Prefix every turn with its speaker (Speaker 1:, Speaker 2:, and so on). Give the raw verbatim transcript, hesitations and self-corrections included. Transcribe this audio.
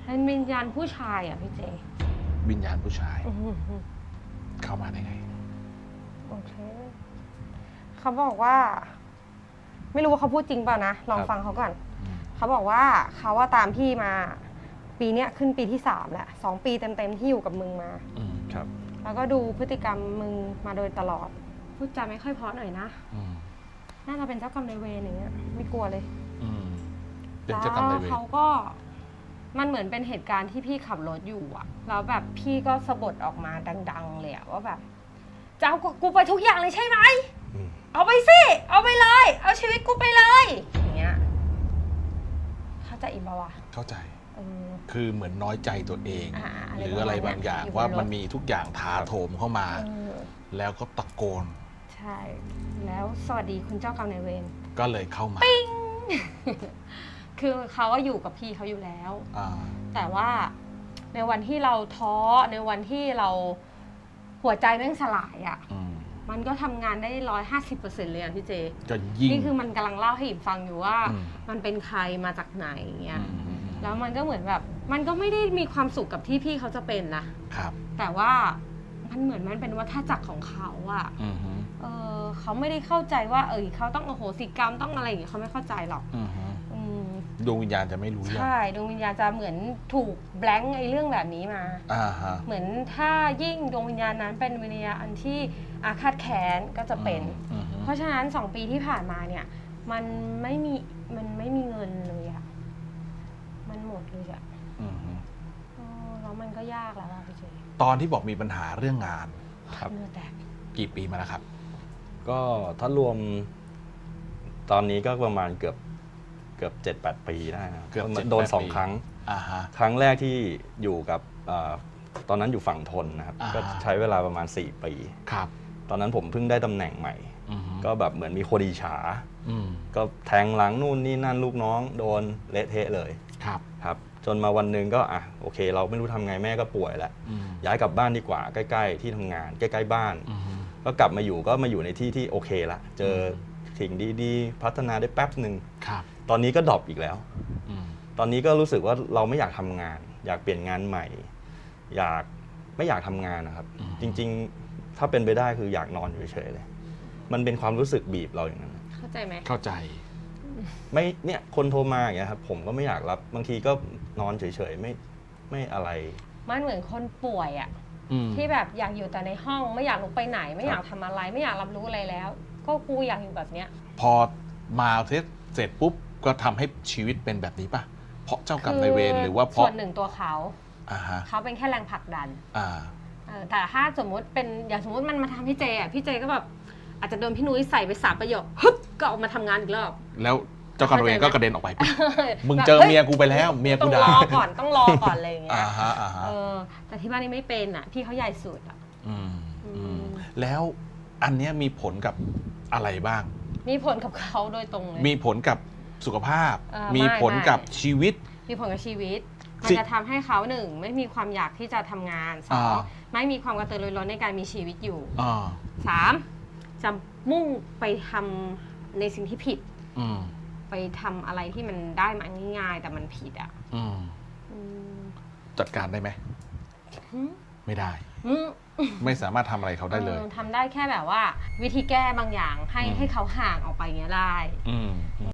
Speaker 1: เป็นวิญญาณผู้ชายอ่ะพี่เจ
Speaker 2: วิญญาณผู้ชายเข้ามาได้ไง
Speaker 1: โอเคเขาบอกว่าไม่รู้ว่าเขาพูดจริงเปล่านะลองฟังเขาก่อนเขาบอกว่าเขาว่าตามพี่มาปีเนี้ยขึ้นปีที่สามแหละสองปีเต็มๆที่อยู่กับมึงมา
Speaker 2: ครับ
Speaker 1: แล้วก็ดูพฤติกรรมมึงมาโดยตลอดพูดจาไม่ค่อยเพราะหน่อยนะน่าจะเป็นเจ้ากรรมนายเวรอย่างเงี้ยไม่กลัวเลย
Speaker 2: เป็นเจ้ากรรมนายเวร
Speaker 1: เขาก็มันเหมือนเป็นเหตุการณ์ที่พี่ขับรถอยู่อะแล้วแบบพี่ก็สะบัดออกมาดังๆเลยอะว่าแบบจะเอากูไปทุกอย่างเลยใช่ไหมเอาไปสิเอาไปเลยเอาชีวิตกูไปเลยอย่างเงี้ยเข้าใจอีกป่าวะ
Speaker 2: เข้าใจคือเหมือนน้อยใจตัวเองหรืออะไรบางอย่างว่ามันมีทุกอย่างถาโถมเข้ามาแล้วก็ตะโกน
Speaker 1: ใช่แล้วสวัสดีคุณเจ้ากรรมนายเวร
Speaker 2: ก็เลยเข้ามา
Speaker 1: ปิ้งคือเขาว่าอยู่กับพี่เขาอยู่แล้วแต่ว่าในวันที่เราท้อในวันที่เราหัวใจแม่งสลายอ่ะมันก็ทำงานได้ร้อยห้าสิบเปอร์เซ็นต์เลยอ่ะพี่เจนี่คือมันกำลังเล่าให้อิมฟังอยู่ว่ามันเป็นใครมาจากไหนเงี้ยแล้วมันก็เหมือนแบบมันก็ไม่ได้มีความสุขกับที่พี่เขาจะเป็นนะครับแต่ว่ามันเหมือนมันเป็นวัฏจักรของเขาอ่ะเออเขาไม่ได้เข้าใจว่าเออเขาต้องอโหสิกรรมต้องอะไรอย่างเงี้ยเขาไม่เข้าใจหรอก
Speaker 2: ดวงวิญญาณจะไม่รู้เรื่อง
Speaker 1: ใช่ดวงวิญญาณจะเหมือนถูกแบงค์ไอ้เรื่องแบบนี้มาเหมือนถ้ายิ่งดวงวิญญาณนั้นเป็นวิญญาณที่อาฆาตแค้นก็จะเป็นเพราะฉะนั้นสองปีที่ผ่านมาเนี่ยมันไม่มีมันไม่มีเงินเลยอะมันหมดเลยอะแล้วมันก็ยากแล้วอะพี่เจ
Speaker 2: ตอนที่บอกมีปัญหาเรื่องงาน
Speaker 1: ครับ
Speaker 2: กี่ปีมาแล้วครับ
Speaker 3: ก็ถ้ารวมตอนนี้ก็ประมาณเกือบเกือบเจ็ดแปดปีได้นะโดนสองครั้งครั้งแรกที่อยู่กับตอนนั้นอยู่ฝั่งทนนะครับก็ใช้เวลาประมาณสี่ปี
Speaker 2: ครับ
Speaker 3: ตอนนั้นผมเพิ่งได้ตำแหน่งใหม่ก็แบบเหมือนมีคนอิจฉาก็แทงหลังนู่นนี่นั่นลูกน้องโดนเละเทะเลย
Speaker 2: ครับ
Speaker 3: ครับจนมาวันหนึ่งก็อ่ะโอเคเราไม่รู้ทำไงแม่ก็ป่วยแล้วย้ายกลับบ้านดีกว่าใกล้ๆที่ทำงานใกล้ๆบ้านก็กลับมาอยู่ก็มาอยู่ในที่ที่โอเคละเจอสิ่งดีๆพัฒนาได้แป๊บหนึ่งตอนนี้ก็ดรอปอีกแล้วตอนนี้ก็รู้สึกว่าเราไม่อยากทำงานอยากเปลี่ยนงานใหม่อยากไม่อยากทำงานนะครับจริงๆถ้าเป็นไปได้คืออยากนอนอยู่เฉยๆเลยมันเป็นความรู้สึกบีบเราอย่างนั้น
Speaker 1: เข้าใจไหม
Speaker 2: เข้าใจ
Speaker 3: ไม่เนี่ยคนโทรมาอย่างเงี้ยครับผมก็ไม่อยากรับบางทีก็นอนเฉยๆไม่ไม่อะไร
Speaker 1: มันเหมือนคนป่วยอ่ะที่แบบอยากอยู่แต่ในห้องไม่อยากลุกไปไหนไม่อยากทำอะไรไม่อยากรับรู้อะไรแล้วก็กูอยากอยู่แบบเนี้ย
Speaker 2: พอมาเสร็จเสร็จปุ๊บก็ทำให้ชีวิตเป็นแบบนี้ป่ะเพราะเจ้ากรรมนายเวรหรือว่าเพราะ
Speaker 1: ส่วนหนึ่งตัวเขาเขาเป็นแค่แรงผลักดันแต่ถ้าสมมติเป็นอย่างสมมติมันมาทำพี่เจอ่ะพี่เจก็แบบอาจจะโดนพี่นุ้ยใส่ไปสามประโยคฮึบก็ออกมาทำงานอีกรอบ
Speaker 2: แล้วเจ้ากรรมนายเวรก็กระเด็นออกไปมึงเจอเมียกูไปแล้วเมียกูด่า
Speaker 1: ต้องรอก่อนต้องรอก่อนอะไรอย่างเงี้ยแต่ที่บ้านนี่ไม่เป็นอ่ะพี่เขาใหญ่สุดอ่ะ
Speaker 2: แล้วอันนี้มีผลกับอะไรบ้าง
Speaker 1: มีผลกับเขาโดยตรงเลย
Speaker 2: มีผลกับสุขภาพมีผลกับชีวิต
Speaker 1: มีผลกับชีวิตมันจะทำให้เขาหนึ่งไม่มีความอยากที่จะทำงานสองไม่มีความกระตือรือร้นในการมีชีวิตอยู่สามจะมุ่งไปทำในสิ่งที่ผิดไปทำอะไรที่มันได้มาง่ายๆแต่มันผิดอ่ะ
Speaker 2: จัดการได้ไหมไม่ได้ไม่สามารถทำอะไรเขาได้เลย
Speaker 1: ทำได้แค่แบบว่าวิธีแก้บางอย่างให้ให้เขาห่างออกไปเงี้ยได้